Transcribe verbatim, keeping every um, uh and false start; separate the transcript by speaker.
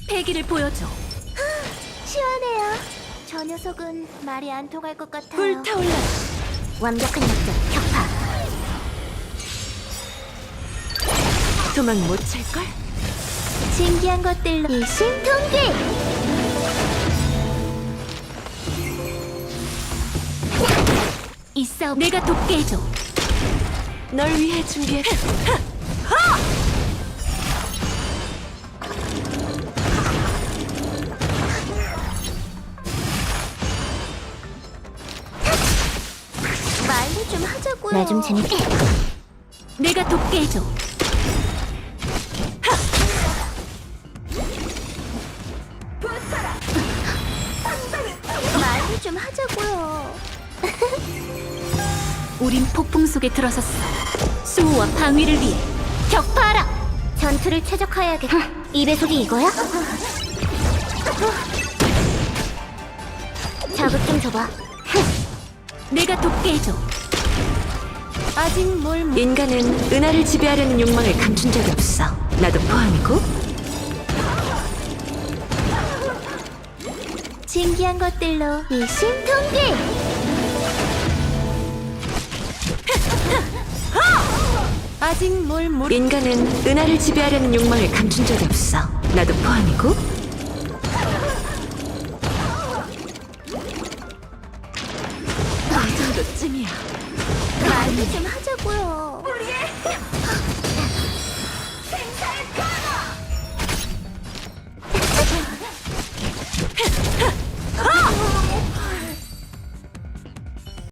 Speaker 1: 패기를 보여줘.
Speaker 2: 시원해요. 저 녀석은 말이 안 통할 것 같아요.
Speaker 1: 불타올라.
Speaker 2: 완벽한 역전, 격파.
Speaker 1: 도망 못 찰걸?
Speaker 2: 신기한 것들로 일심동기.
Speaker 1: 이 싸움 내가 돕게 해줘. 널 위해 준비했어.
Speaker 2: 말도 좀 하자고요.
Speaker 1: 나 좀 재밌게. 내가 돕게 해줘.
Speaker 2: 말도 좀 하자고요.
Speaker 1: 우린 폭풍 속에 들어섰어. 수호와 방위를 위해 격파하라.
Speaker 2: 전투를 최적화해야겠다. 이 배속이 이거야? 자극 좀 줘봐.
Speaker 1: 내가 돕게 해줘.
Speaker 2: 아직 뭘 못...
Speaker 1: 인간은 은하를 지배하려는 욕망을 감춘 적이 없어. 나도 포함이고.
Speaker 2: 신기한 것들로 일심동기.
Speaker 1: 아직 뭘 모르... 인간은 은하를 지배하려는 욕망을 감춘 적이 없어. 나도 포함이고. 이 정도쯤이야.
Speaker 2: 말도 좀 하자고요.